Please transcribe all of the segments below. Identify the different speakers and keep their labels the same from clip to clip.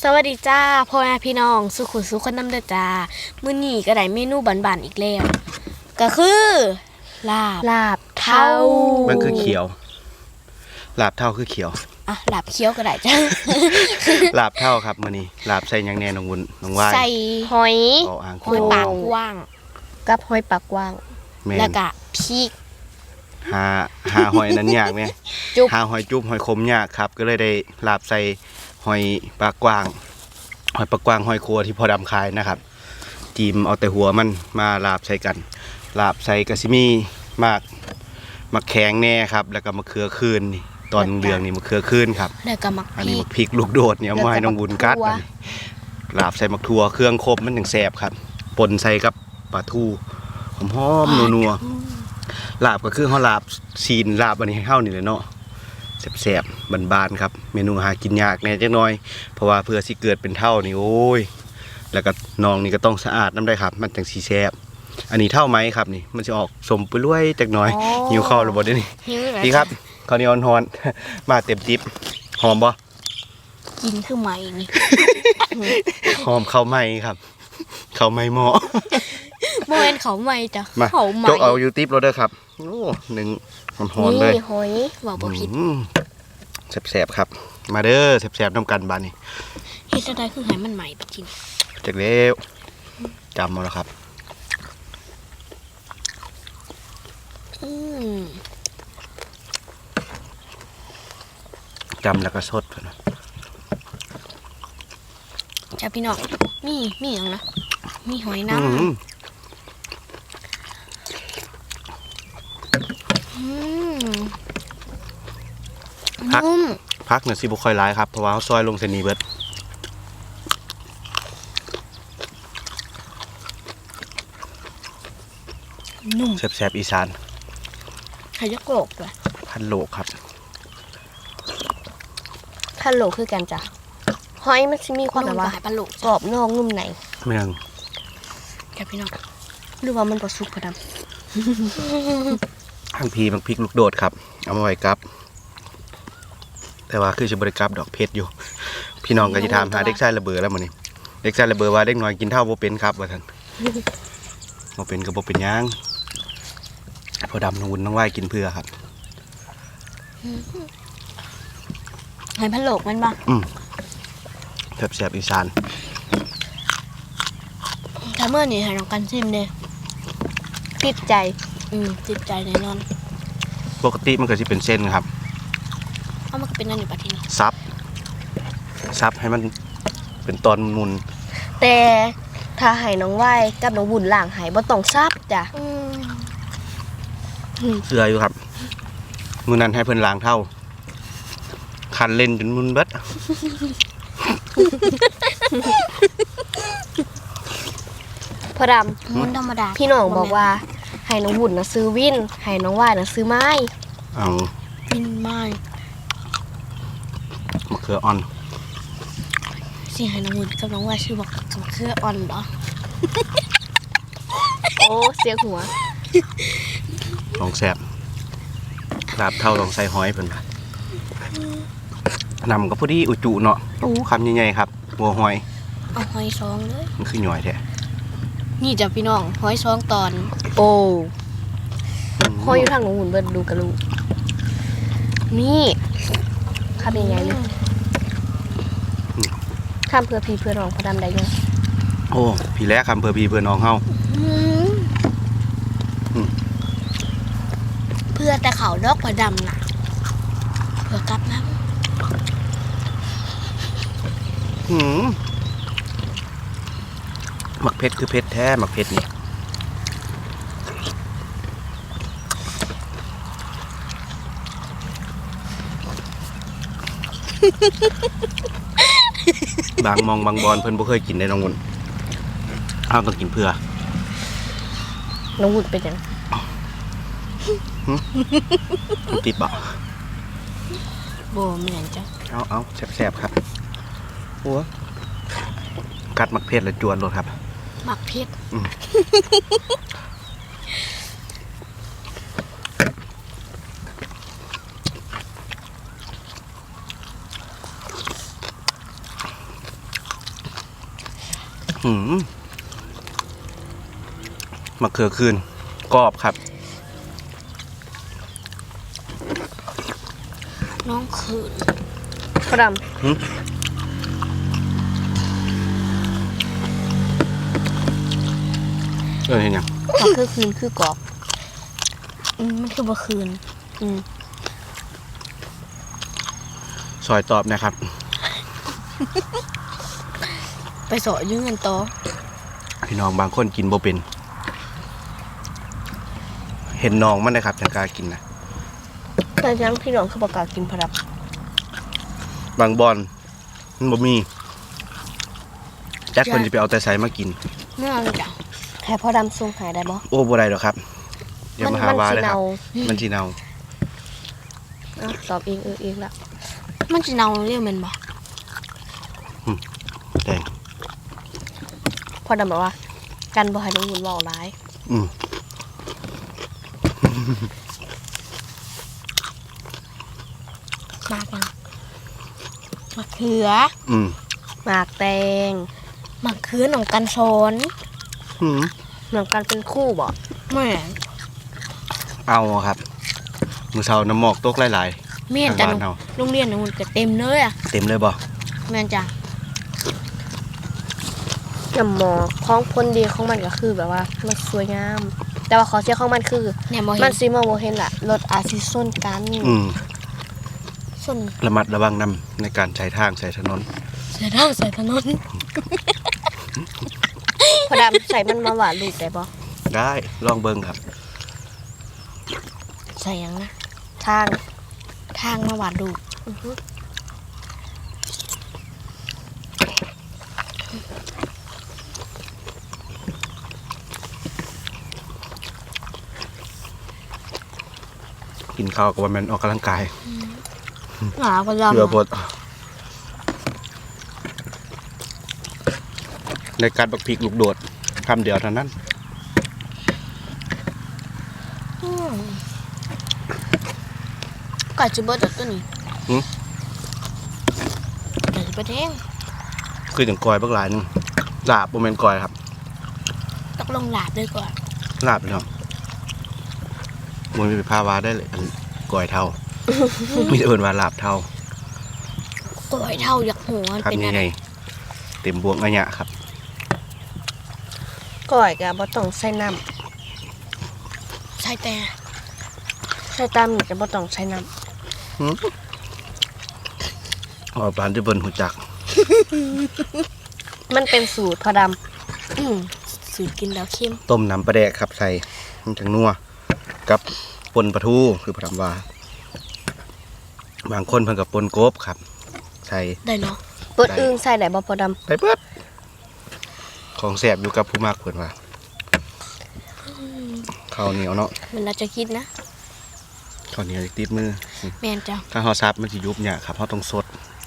Speaker 1: สวัสดีจ้าพ่อแม่พี่น้องสุขุสุขคนน้ำเด้อจ้ามื้อนี้ก็ได้เมนูบานๆอีกแล้วก็คือลาบเท่า
Speaker 2: มันคือเขียวลาบเท่าคือเขียว
Speaker 1: อ่ะลาบเขียวก็ได้จ้า
Speaker 2: ลาบเท่าครับมื้อนี้ลาบใส่หยังแน่น้องวุ้นน้องวาย
Speaker 1: ใส่หอย
Speaker 2: อ่าง
Speaker 1: หอยปากกว้าง
Speaker 3: กับหอยปากกว้าง
Speaker 1: แล้วก็พริก
Speaker 2: หาหอยนั้นยากไหมหาหอยจุ๊บหอยขมยากครับก็เลยได้ลาบใส่หอยปากกว้างหอยปากกว้างหอยครัวที่พอดำคายนะครับจีมเอาแต่หัวมันมาลาบใส่กันลาบใส่กะซิมีมะแข็งแน่ครับแล้วก็มะเขือคืนนี่ตอนเหลืองนี่มะเขือคืนครับ
Speaker 1: แล้วก็มักพ
Speaker 2: อัน
Speaker 1: ริ
Speaker 2: นี้
Speaker 1: ก
Speaker 2: มะพริกลูกโดดเนี่ยเอามาให้น้องบุญกัดลาบใส่มะทั่วเครื่องครบมันถึงแซ่บครับปนใส่กับปลาทูหอมๆนัวๆลาบก็คือเฮาลาบซีนลาบอันนี้ให้เฮานี่แหละเนาะแซ่บๆบานๆครับเมนูหากินยากแน่จักหน่อยเพราะว่าเพื่อสิเกิดเป็นเท่านี่โอ้ยแล้วก็น้องนี่ก็ต้องสะอาดน้ำได้ครับมันจังสิแซ่บอันนี้เท่าไหมครับนี่มันจะออกสมไปรวยจักหน่อยหิวข้าวแล้วบ่เด้นี่ดีครับข้าวเหนียวฮ้อนๆมาเต็มจิ๊บหอมบ่
Speaker 1: กินคือไหมนี่
Speaker 2: หอมข้าวไหม้ครับข้าวไหม้หม้อ
Speaker 1: บ่แม่นเขาไหมจ้ะ
Speaker 2: มา
Speaker 1: เขาไหม
Speaker 2: จกเอาอยู่ติ๊บเราเด้อครับโอ้หนึ่งหอนๆเลย
Speaker 3: นี่หอย
Speaker 1: ว่าบ่ผิด
Speaker 2: แสบๆครับมาเด้อแสบๆน้ำกันบานนี่
Speaker 1: เฮ็ดจังได๋คือให้มันใหม่ไปกิน
Speaker 2: จากแล้วจำมาแล้วครับ
Speaker 1: อืม
Speaker 2: จำแล้วก็สดนะ
Speaker 1: จ้าพี่น้องมีหยังนะมีหอยน้ำนุ่ม
Speaker 2: พักเนี่ยสิบุคอยร้ายครับเพราะว่าเขาซอยลงเซนีเบิร์ด
Speaker 1: นุ่ม
Speaker 2: แสบๆอีสาน
Speaker 1: ไข่ยักษ์โกรกด้วย
Speaker 2: พันโลกครับ
Speaker 3: ขั้นโหลคือกันจ้ะหอยมันสิมีความแบบว่า
Speaker 1: ปลาโลก
Speaker 3: กรอบนอกนุ่มใน
Speaker 2: เมือง
Speaker 1: จ้าพี่น้อง
Speaker 3: หรือว่ามันบ่สุกพอด
Speaker 2: ทั้งพีบางพริกลูกโดดครับเอามาไว้กับแต่ว่าคือจะบริกรับดอกเพชรอยู่ พี่น้องก็จะถามหาเด็กชายระเบิดแล้วมื้อนี้เด็กชายระเบิดว่าเด็กน้อยกินเท่าบ่เป็นครับว่าท่านบ่เป็นก็บ่เป็นหยังพอดำน้องวุ้นน้องว่ายกินเพื่อครับ
Speaker 1: หอยพะโลกมันบ่
Speaker 2: แสบๆอีสาน
Speaker 1: ถ้าเมื่อนี้ให้น้องกันชิมเด้
Speaker 3: ติดใจ
Speaker 1: ติดใจแน่นอน
Speaker 2: ปกติมันก็สิเป็นเส้นครับ
Speaker 1: เอามันก็เป็นนั่นอยู่ปะทีนี้
Speaker 2: ซับให้มันเป็นตอนมุน
Speaker 3: แต่ถ้าให้น้องไหว้กับน้องบุญล้างให้บ่ต้องซับจ้ะ
Speaker 2: เสืออยู่ครับมือนั้นให้เพิ่นล้างเท่าคันเล่นจนมุนเบิด
Speaker 3: พอด
Speaker 1: มันธรรมดา
Speaker 3: ำพี่น้องบอกว่าให้น้องบุญน่ะซื้อวินให้น้องไหว้น่ะซื้อไม้
Speaker 2: เอา
Speaker 1: บินไม้
Speaker 2: มะเขืออ่อน
Speaker 1: สิให้น้องวุ้นกับน้องว่าชื่อบอกกับเครืออ่อนเหรอ
Speaker 3: โอ้เสียหัว
Speaker 2: ลองแสบลาบเท่าลองใส่หอยเพิ่นว่นำก็พอดีอุจุเนาะโอ้คำใหญ่ๆครับหัวหอย
Speaker 1: เอาหอยซองเลย
Speaker 2: มันคือหน่อยแท้
Speaker 1: นี่จ้ะพี่น้องหอยซองตอน
Speaker 3: โอ้หอยอยู่ทางน้องบุญเบิ่ดูกระลูกนี่คำยังไงเลยคำเพื่อพี่เพื่อน้องพอดำได้ยัง
Speaker 2: โอ้พี่แล้คำเพื่อพี่เพื่อน้องเฮา
Speaker 1: เพื่อแต่เขาดอกกว่าดำน่ะเพื่อกลับน้
Speaker 2: หมักเพชรคือเพชรแท้หมักเพชรนี่บางมองบางบอลเพิ่นบ่เคยกินได้น้องวุ้นเอาต้องกินเพื่อ
Speaker 3: น้องบุญเป็นยัง
Speaker 2: มันติดบ่
Speaker 1: ำโบเหมือนจ้ะ
Speaker 2: เอาแสบๆครับหัวกัดหมักเพชรแล้วจวนโลดครับ
Speaker 1: หมักเพชร
Speaker 2: มะเขือคืนกรอบครับ
Speaker 1: น้องคืน
Speaker 3: พอด
Speaker 2: เห็นยัง
Speaker 3: ำก็คือคืนคือกรอบ
Speaker 1: มันคือบ่คืน
Speaker 2: ซอยตอบนะครับ
Speaker 1: ไปสอยืมเงินต่อ
Speaker 2: พี่น้องบางคนกินบ่เป็น เห็นน้องมันนะครับจังกล้ากินนะ
Speaker 3: แต่ยังพี่น้องคือประกล้าศกินพอด
Speaker 2: บางบอนมันบ่มีแจ็คคนจะไปเอาแต่ใส่มากิน
Speaker 1: เมื่อไงจ้ะ
Speaker 3: ำแค่พอดำส่งหายได้บ่
Speaker 2: โอ้บ่ได้หรอกครับอย่ามาหาว่าเลยครับ มันสิเนา
Speaker 3: ตอบเองเองละ
Speaker 1: มันจะเนาเรียกมันบ่
Speaker 2: แดง
Speaker 3: พอดำบอกว่า กันบ่ให้น้องหุ่นเว้าร้าย
Speaker 2: อืม
Speaker 1: มากยังมะเขือ
Speaker 2: อืม
Speaker 3: หมากแตง
Speaker 1: มะเขือหนองกันสอน
Speaker 2: อืม
Speaker 3: เหมือนกันเป็นคู่บ่
Speaker 1: แม่
Speaker 2: เอาครับมือเช้าน้ำหมอกตกหลาย
Speaker 1: แม่
Speaker 2: ๆ
Speaker 1: นจ้ะ
Speaker 2: ทางบ้านเฮา
Speaker 1: โรงเรียนนู่นก็เต็มเลยอ่ะ
Speaker 2: เต็มเลยบ่
Speaker 1: แม่นจ้ะ
Speaker 3: น้ำหมอกของพ้นดีของมันก็คือแบบว่ามันสวยงาม แต่ว่าขอเสียของมันคือ
Speaker 1: เนี่ยบ่
Speaker 3: มั
Speaker 1: เห็
Speaker 3: น
Speaker 1: น
Speaker 3: ซีมองบ่เห็นล่ะรถอาจสิส้นกัน
Speaker 2: อืม
Speaker 1: ส้น
Speaker 2: ระมัดระวังนำในการใช้ทางใช้ถนน
Speaker 1: เสียดาวใส่ถนน
Speaker 3: พอดำใส่มันมาหวานลูกได้บ่
Speaker 2: ได้ลองเบิ่งครับ
Speaker 1: ใส่หยังนะ
Speaker 3: ทาง
Speaker 1: ทางมาหวานดู
Speaker 3: อือฮึ
Speaker 2: กินข้าวกับว่ามันออกกำลังกาย
Speaker 1: หนาก็ยำ
Speaker 2: เพื่อพดในการบักพริกลูกโดดคำเดียวเท่านั้น
Speaker 1: ก่อนจะเบิดตัวนี้
Speaker 2: หืม
Speaker 1: เดี๋ยวจะไปแทง
Speaker 2: คือถึงกอยบักหลายหนึงลาบบ่แม่นกอยครับ
Speaker 1: ต้องลงหลาบด้วยก่อน
Speaker 2: ลาบพี่น้องมันมีภาวะได้เลยอันกอยเท่า มีแต่เอิ้นว่าลาบเท่า
Speaker 1: ก่อยเท่าอยากหัวมัน
Speaker 2: ครับ
Speaker 1: เป็น
Speaker 2: นี่
Speaker 1: อะไร
Speaker 2: ไงเต็มบวกอะยะครับ
Speaker 3: ก้อยก็บ่ต้องใส่น้
Speaker 1: ใช่แต่
Speaker 3: ำใส่ตามนี่ก็บ่ต้องใส่น้
Speaker 2: อ๋อปานที่เบิ่นหูจัก
Speaker 3: ำมันเป็นสูตรพอด
Speaker 1: สูตรกินแล้วเข้ม
Speaker 2: ต้มน้ำปลาแดกครับใส่มันจังนัวกับปนปลาทูคือพระธรรมว่า บางคนเพิ่นกับปนกบครับ ใส่
Speaker 1: ได้เนาะ
Speaker 3: ำเปิดอึ้งใส่ได้บ่พอด
Speaker 2: ไปเปิดของแสบอยู่กับผู้มากเพิ่นว่าข้าวเหนียวเนาะ
Speaker 1: มันเราจะคิดนะ
Speaker 2: ข้าวเหนียวติดมือ
Speaker 1: แม่นจ้ะ
Speaker 2: ถ้าเฮาซับมันสิยุบเนี่ยครับเฮาต้องสด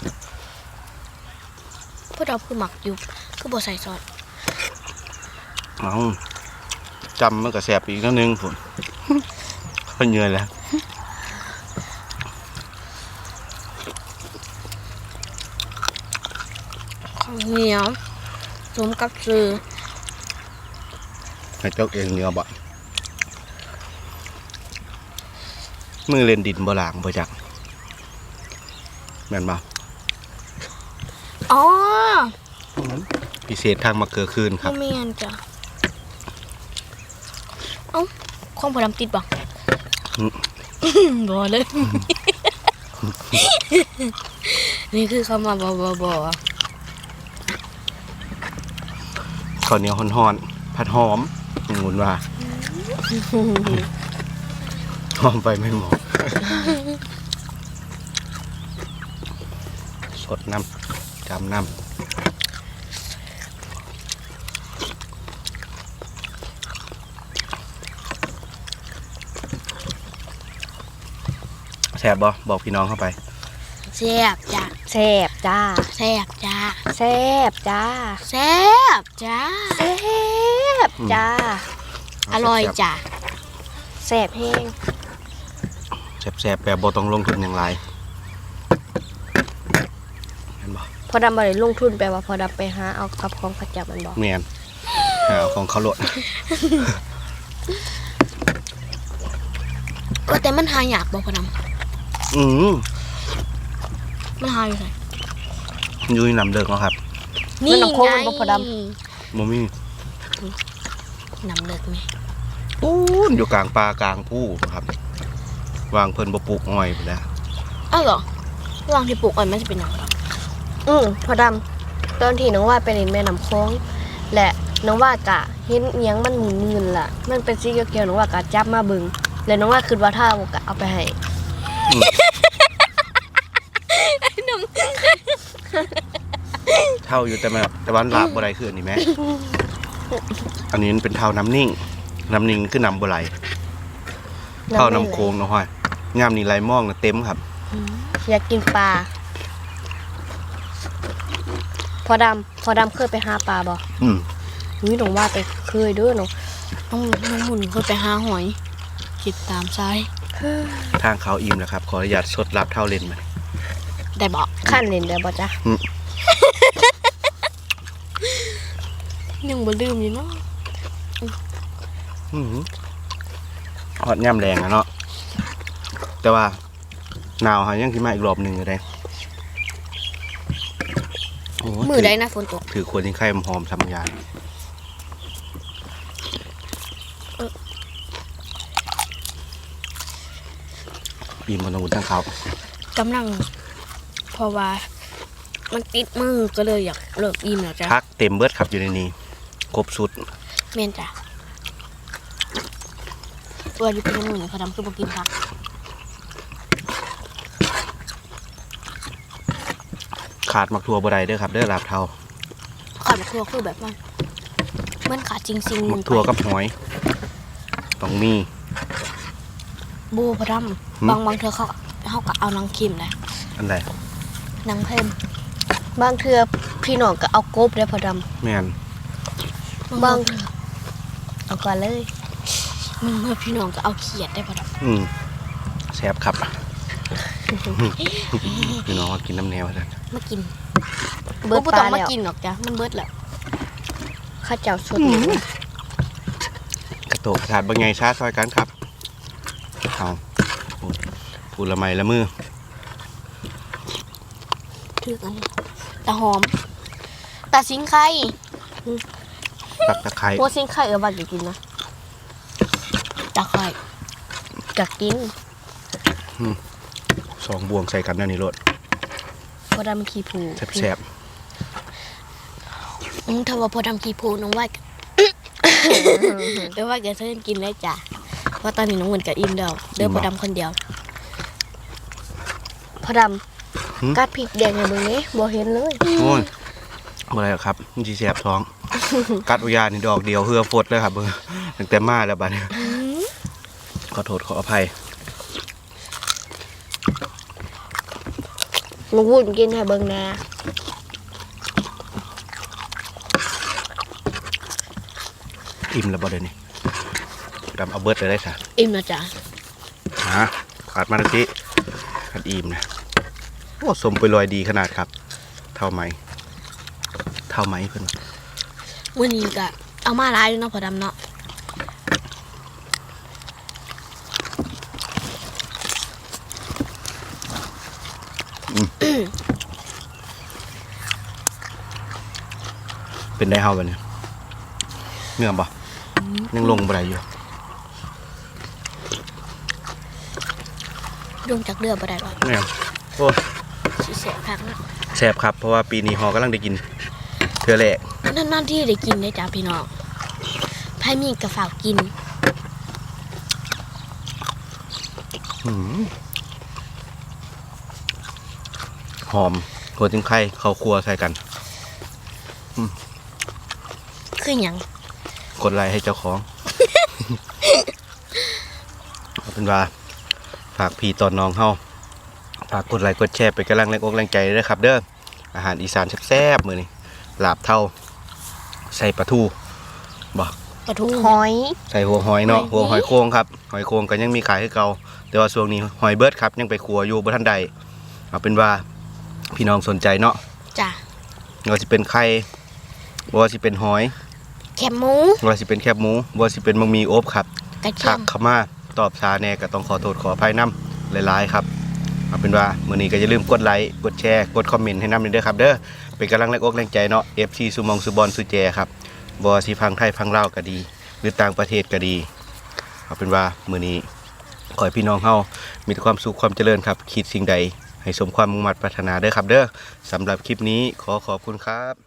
Speaker 1: พวกเราคือหมักอยู่คือบ่ใส่ซอส
Speaker 2: เอาจำมันก็แสบอีกนิดนึงพุ่น เพิ่นเหนื่อยแล้ว
Speaker 1: ข้าวเหนียวสมกับซื้อ
Speaker 2: ให้เจ้าเองเหนียวบ่มือเล่นดินบ่ล้างบ่จักแม่นบ่
Speaker 1: อ๋อ
Speaker 2: พิเศษทางมะเขือคืนครับ
Speaker 1: แม่นจ้ะเอ้าของพอดำติดบ่
Speaker 2: อืม
Speaker 1: บ่เลย นี่คือคำว่าบ่
Speaker 2: ข้าวเหนียวฮ้อนๆผัดหอมหมุนว่า หอมไปไม่หมดสดน้ำจำน้ำแซ่บบ่บอกพี่น้องเข้าไป
Speaker 1: แซ่บจ้ะ
Speaker 3: แซ่บจ้า
Speaker 1: แซ่บจ้ะ
Speaker 3: แซ่บจ้า
Speaker 1: แซ่บจ้ะ
Speaker 3: แซ่บจ้า
Speaker 1: อร่อยจ้ะ
Speaker 3: แซ่บแห้ง
Speaker 2: แซ่บๆแบบบ่ต้องลงทุนอย่างไรเห็นบ่
Speaker 3: พออดำบ่ได้ลงทุนแปลว่าพอดำไปหาเอากับของเขาจับมันบอก
Speaker 2: แม่นเอาของเขาโลด
Speaker 1: แต่มันหายากบ่พอด
Speaker 2: อืม
Speaker 1: ำมันหายอยู่ไหน
Speaker 2: อยู่ในน้ำเลิกแล้วครับ
Speaker 1: นี่ไง
Speaker 2: บ่มี
Speaker 1: น้ำเลิกไหม
Speaker 2: ปูนอยู่กลางป่ากลางผู้ครับ วางเพิ่นบ่ปลูกอ้อยไปแล้ว
Speaker 1: อ้าวเหรอระหว่างที่ปลูกอ้อยมันจะเป็นหยัง
Speaker 3: พอดำตอนที่น้องว่าไปเล่นแม่น้ำโค้งและน้องว่ากะเห็นเอียงมันหมุนๆล่ะมันเป็นสีเขียวๆน้องว่ากะจับมาเบิ่งแล้วน้องว่าคิดว่าถ้าเอากะเอาไปให้
Speaker 2: เท่าอยู่แต่แบบแต่ว่าลาบบ่ได้คืออันนี้แม่ อันนี้มันเป็นเท่าน้ำนิ่ง น้ำนิ่งคือน้ำบ่ไหลเท่าน้ำโค้งเนาะห้อยยามนี้ไหลมองน่ะเต็มครับ
Speaker 3: อยากกินปลาพอดำเคยไปหาปลาบ่
Speaker 2: อืม
Speaker 3: นี่น้องว่าไปเคยเด้อเนาะ
Speaker 1: น้องหมุนเคยไปหาหอยคิดตามซ้าย
Speaker 2: ทางเขาอิ่มแล้วครับ ขออนุญาตสดลาบเท่าเล่นมา
Speaker 1: ได้บอก
Speaker 3: ขั้นเล่นได้บ่จ๊ะ
Speaker 1: ยังบ่ลืมอยู่เนาะ
Speaker 2: ฮอดย่ำแรงอะเนาะแต่ว่าหนาวหายังสิมาอีกรอบหนึงอยู่ได้โอ้
Speaker 1: มือได้นะฝนตก
Speaker 2: ถือขวดยิงไข่หอมๆสำยานอิ่มมันต้องทั้งเขา
Speaker 1: กำลังเพราะว่ามันติดมือก็เลยอยากเลิกอิ่มแล้วจ้ะ
Speaker 2: พักเต็มเบิดครับอยู่ในนี้ครบสุด
Speaker 1: เมนจ้ะอยู่เป็นมือเนี่ยพอดำคือบ่กินผัก
Speaker 2: ขาดมักทั่วบ่ได้เด้อครับเด้อลาบเท่า
Speaker 1: ขาดมะทั่วคือแบบมันขาดจริงๆ
Speaker 2: มักทั่วกับหอยต้องมี
Speaker 1: บูพอดำบางเธอเขาก็เอานางคิมนะ
Speaker 2: อันใด
Speaker 1: นางเพิ่ม
Speaker 3: บางเทื่อพี่น้องก็เอากบได้พอด
Speaker 2: แม่น
Speaker 3: ำบางเอาก่อนเลย
Speaker 1: มึงเมื่อพี่น้องก็เอาเขียดได้พอด
Speaker 2: แซ่บครับ พี่น้องก็กินน้ำแนวซะ
Speaker 1: ำมากิน
Speaker 3: เบิด
Speaker 1: บ่
Speaker 3: ป
Speaker 1: ต้อ
Speaker 3: ลาง
Speaker 1: มา
Speaker 3: แล้ว
Speaker 1: กินหรอกจ้ะมันเบิดแล้ว
Speaker 3: ข้าเจ้าสด
Speaker 2: กระโตกกระถาดบางไงชาซอยกันครับเอาปูละไมละมือ
Speaker 1: ถือกันตาหอมตาสิงไข่
Speaker 2: ตักตะไคร้
Speaker 3: หัวซิงไข่ว่าจะกินนะ
Speaker 1: ตาไข่
Speaker 3: กักกิน
Speaker 2: สองบวงใส่กันนั่นนี่รส
Speaker 3: พอดำขี้ผู
Speaker 2: แซ่บ
Speaker 1: ถ้าว่าพอดำกีโพน้องว่าไม่ว่าแกเพิ่นกินได้จ้ะเพราะตอนนี้น้องเหมือนกับอิ่มเดียวเดินพอดำคนเดียว
Speaker 3: พอดำกัดพริกแดงในเบิ่งนี้บ่เห็นเลย
Speaker 2: ๆโอ้ยอะไรหรอกครับมันสิแซ่บท้อง กัดอุยานี่ดอกเดียวเฮือฟดเลยครับเบิ่งตั้งแต่มาแล้วบัดนี้ขอโทษขออภัย
Speaker 3: มาวุ่นกินให้เบิ่งแหน่
Speaker 2: อิ่มแล้วบ่เดี๋ยวนี้ดำเอาเบิดเลยได้ค่ะ
Speaker 1: อิ่มแล้วจ้ะ
Speaker 2: ขาดมาตะกี้ขาดอิ่มนะโอ้สมไปลอยดีขนาดครับ เท่าไหมเพิ่น
Speaker 1: มื้อนี้ก็เอามาหลายอยู่เนาะพอดำเนาะ
Speaker 2: เป็นได้เฮาบัดนี้เนื้อบ่ยังลงบ่ได้อยู่
Speaker 1: ลงจากเรือบ่ได้หรอก
Speaker 2: เนี่ยโอ้
Speaker 1: สิเสียพักเนาะ
Speaker 2: แซ่บครับเพราะว่าปีนี้ฮอกำลังได้กินเทื่อแรก
Speaker 1: นานๆที่ได้กินได้จ้ะพี่น้องไผมีก็ฝากกิน
Speaker 2: หอมหัวจิ้งไข่ข้าวคั่วใส่กัน
Speaker 1: คือหยัง
Speaker 2: กดไลค์ให้เจ้าของ เอาเป็นว่าฝากพี่ตอนน้องเฮาฝากกดไลค์กดแชร์เป็นกำลังแรงอกแรงใจด้วยครับเด้ออาหารอีสานแซ่บๆมื้อนี้ลาบเท่าใส่ปลาทูบ่
Speaker 1: ปลาทู
Speaker 3: หอย
Speaker 2: ใส่หัวหอยเนาะหัวหอยโค้งครับหอยโค้งก็ยังมีขายให้เก่าแต่ว่าช่วงนี้หอยเบิร์ดครับยังไปขัวอยู่บ่ทันใดเอาเป็นว่าพี่น้องสนใจเนาะ
Speaker 1: จ้ะ
Speaker 2: ว่าสิเป็นไข่ว่าสิเป็นหอย
Speaker 1: แคบหมู
Speaker 2: ว่าสิเป็นแคบหมูว่าสิเป็นบะหมี่อบครับ
Speaker 1: กระเที
Speaker 2: ทั
Speaker 1: ย
Speaker 2: ก
Speaker 1: ม
Speaker 2: เข้ามาตอบช้าแน่ก็ต้องขอโทษขออภัยนำหลายๆครับเอาเป็นว่ามื้อนี้ก็อย่าลืมกดไลค์กดแชร์กดคอมเมนต์ให้นำเด้อครับเด้อเป็นกำลังแรงอกแรงใจเนาะ FC สุมองสุบอลสุแจครับบ่สิพังไทยพังลาวก็ดี หรือต่างประเทศก็ดีเอาเป็นว่ามื้อนี้ขอให้พี่น้องเฮามีแต่ความสุขความเจริญครับคิดสิ่งใดให้สมความมุ่งมั่นปรารถนาเด้อครับเด้อสำหรับคลิปนี้ขอขอบคุณครับ